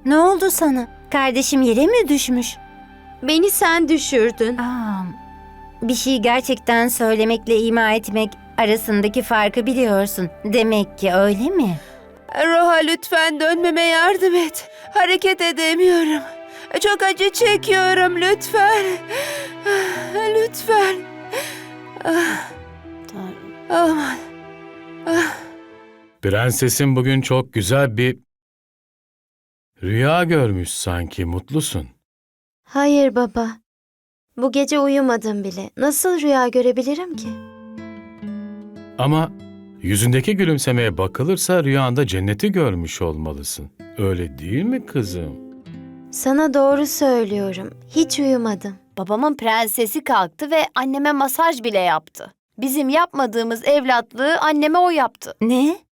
Ne oldu sana? Kardeşim yere mi düşmüş? Beni sen düşürdün. Bir şey gerçekten söylemekle ima etmek arasındaki farkı biliyorsun. Demek ki öyle mi? Roha, lütfen dönmeme yardım et. Hareket edemiyorum. Çok acı çekiyorum, lütfen. Lütfen. Aman. Prensesin bugün çok güzel bir rüya görmüş sanki. Mutlusun. Hayır baba. Bu gece uyumadım bile. Nasıl rüya görebilirim ki? Ama yüzündeki gülümsemeye bakılırsa rüyanda cenneti görmüş olmalısın. Öyle değil mi kızım? Sana doğru söylüyorum. Hiç uyumadım. Babamın prensesi kalktı ve anneme masaj bile yaptı. Bizim yapmadığımız evlatlığı anneme o yaptı. Ne?